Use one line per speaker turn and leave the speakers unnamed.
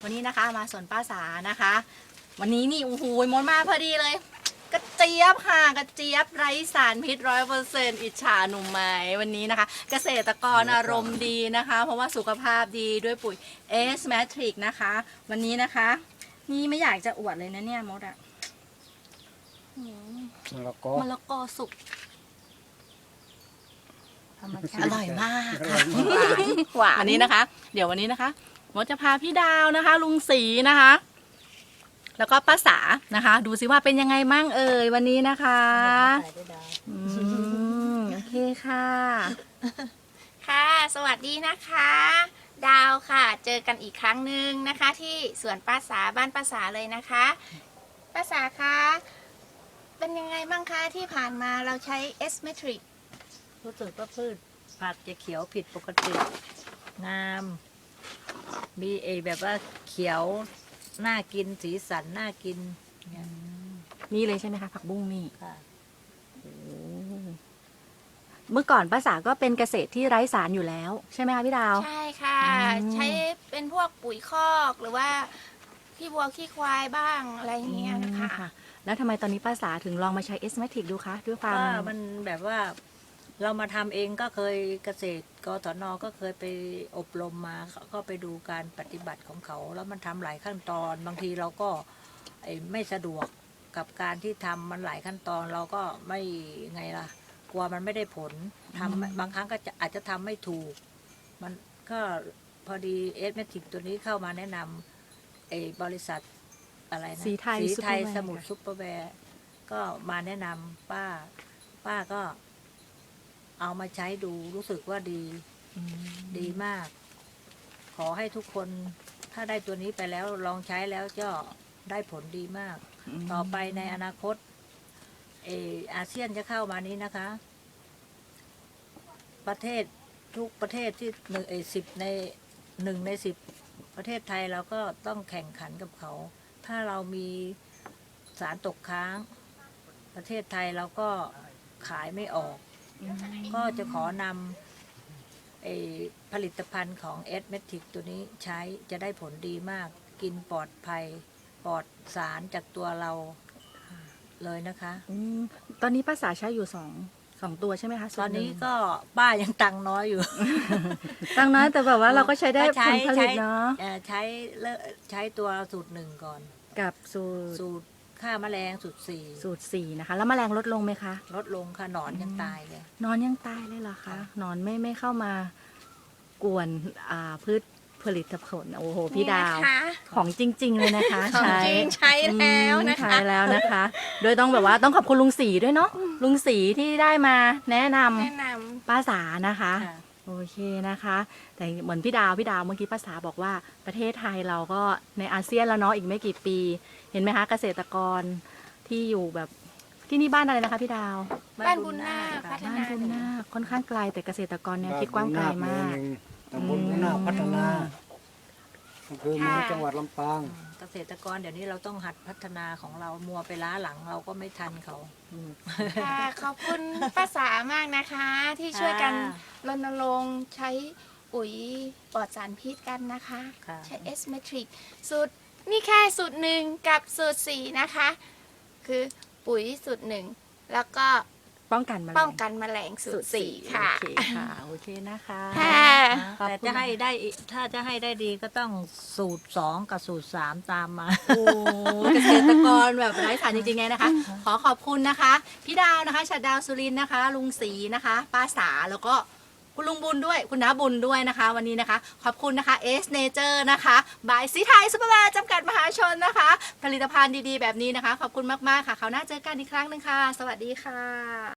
วันนี้นะคะมาสวนป้าสานะคะ วันนี้นี่โอ้โหมดมาพอดีเลย กระเจี๊ยบค่ะกระเจี๊ยบไร้สารพิษ100%อิจฉาหนุ่มไหมวันนี้นะคะ เกษตรกรอารมณ์ดีนะคะ เพราะว่าสุขภาพดีด้วยปุ๋ย S Matrix นะคะ วันนี้นะคะ นี่ไม่อยากจะอวดเลยนะเนี่ยมดอะมะละกอสุกอร่อยมากค่ะหวานวันนี้นะคะ เดี๋ยววันนี้นะคะมดจะพาพี่ดาวนะคะ ลุงศรีนะคะ แล้วก็ป้าสานะคะ ดูซิว่าเป็นยังไงมั่งเอ่ยวันนี้นะคะโอเคค่ะ
ค่ะสวัสดีนะคะ ดาวค่ะเจอกันอีกครั้งหนึ่งนะคะ ที่สวนป้าสาบ้านป้าสาเลยนะคะป้าสาคะเป็นยังไงบ้างคะที่ผ่านมาเราใช้ S Matrix
รู้สึกว่าพืชผักจะเขียวผิดปกติงามมีแบบว่าเขียวน่ากินสีสันน่ากิน
นี่เลยใช่ไหมคะผักบุ้งนี่
ค่ะ
เมื่อก่อนป้าสาก็เป็นเกษตรที่ไร้สารอยู่แล้วใช่ไหมคะพี่ดาว
ใช่ค่ะ ใช้เป็นพวกปุ๋ยคอกหรือว่าขี้วัวขี้ควายบ้างอะไรอย่างเงี้ยนะคะ
ค่ะ แล้วทำไมตอนนี้ป้าสาถึงลองมาใช้ S Matrix ดูคะด้วยความ
ว่ามันแบบว่าเรามาทำเองก็เคยเกษตรกศน.ก็เคยไปอบรมมาก็ไปดูการปฏิบัติของเขา แล้วมันทำหลายขั้นตอน บางทีเราก็ไม่สะดวกกับการที่ทำมันหลายขั้นตอนเราก็ไม่ไงล่ะ กลัวมันไม่ได้ผลทำบางครั้งก็อาจจะทำไม่ถูก มันก็พอดีเอสเมทิกตัวนี้เข้ามาแนะนำบริษัทอะไรนะ
สีไทย
สมุทรซุปเปอร์แวร์ก็มาแนะนำป้าก็เอามาใช้ดูรู้สึกว่าดีมาก ขอให้ทุกคนถ้าได้ตัวนี้ไปแล้วลองใช้แล้วก็ได้ผลดีมาก ต่อไปในอนาคตอาเซียนจะเข้ามานี้นะคะ ประเทศทุกประเทศที่1 ใน 10ประเทศไทยเราก็ต้องแข่งขันกับเขา ถ้าเรามีสารตกค้าง ประเทศไทยเราก็ขายไม่ออก ก็จะขอนำผลิตภัณฑ์ของ S Matrix ตัวนี้ใช้จะได้ผลดีมาก กินปลอดภัยปลอดสารจากตัวเราเลยนะคะ
ตอนนี้ป้าสาใช้อยู่สองตัวใช่ไหมคะ
ตอนนี้ก็ป้ายังตังค์น้อยอยู่
ตั้งน้อยแต่แบบว่าเราก็ใช้ได้ผลผลิตเนาะ
ใช้ตัวสูตร 1ก่อน
กับสู
สูตรฆ่าแมลงสูตร
4นะคะ แล้วแมลงลดลงไหมคะ
4ลดลงค่ะหนอนยังตายเลย
นอนยังตายเลยเหรอคะนอนไม่เข้ามากวนพืชผลิตผลโอ้โหพี่ดาว
นี่นะคะ
ของจริง ๆ เลยนะคะ
ของจริงใช้แล้วนะคะ
ใช้แล้วนะคะ โดยต้องแบบว่าต้องขอบคุณลุงศรีด้วยเนาะลุงศรีที่ได้มาแนะนำ
แนะน
ป้าสานะคะ
ค่ะ
โอเคนะคะ แต่เหมือนพี่ดาวเมื่อกี้ป้าสาบอกว่าประเทศไทยเราก็ในอาเซียนแล้วเนาะอีกไม่กี่ปี เห็นไหมคะเกษตรกรที่อยู่แบบที่นี่บ้านอะไรนะคะพี่ดาว
บ้านบุญนาค
ค่ะ
พัฒ
บ้านบุญนาคค่อนข้างไกลแต่เกษตรกรเนี่ยคิดกว้างไกลมาก
ตำบลบุญนาคพัฒนาอำเภอเมืองจังหวัดลำปาง
เกษตรกรเดี๋ยวนี้เราต้องหัดพัฒนาของเรามัวไปล้าหลังเราก็ไม่ทันเขา
ำค่ะขอบคุณป้าสามากนะคะ ที่ช่วยกัน
ค่ะ
รณรงค์ใช้ปุ๋ยปลอดสารพิษกันนะคะ
ค่ะ
ใช้ S Matrix สูตรนี่แค่สูตร 1กับสูตร 4นะคะ คือปุ๋ยสูตร 1แล้วก็
ป้องกันแมลง
ป้องกันแมลงสูตร 4ค่ะ
โอเคค่ะโอเคนะคะ
ค่ะ
แต่จะให้ได้ถ้าจะให้ได้ดีก็ต้องสูตร 2กับสูตร 3ตามมา
โอ้เกษตรกรแบบไร้สารจริงๆไงนะคะ ขอขอบคุณนะคะพี่ดาวนะคะชัดดาวสุรินทร์นะคะ ลุงศรีนะคะ ป้าสาแล้วก็คุณลุงบุญด้วยคุณน้าบุญด้วยนะคะ วันนี้นะคะ ขอบคุณนะคะ S Nature นะคะบายสีไทยซุปเปอร์แวร์จำกัดมหาชนนะคะ ผลิตภัณฑ์ดีๆแบบนี้นะคะ ขอบคุณมากๆค่ะคราวหน้าเจอกันอีกครั้งหนึ่งค่ะ สวัสดีค่ะ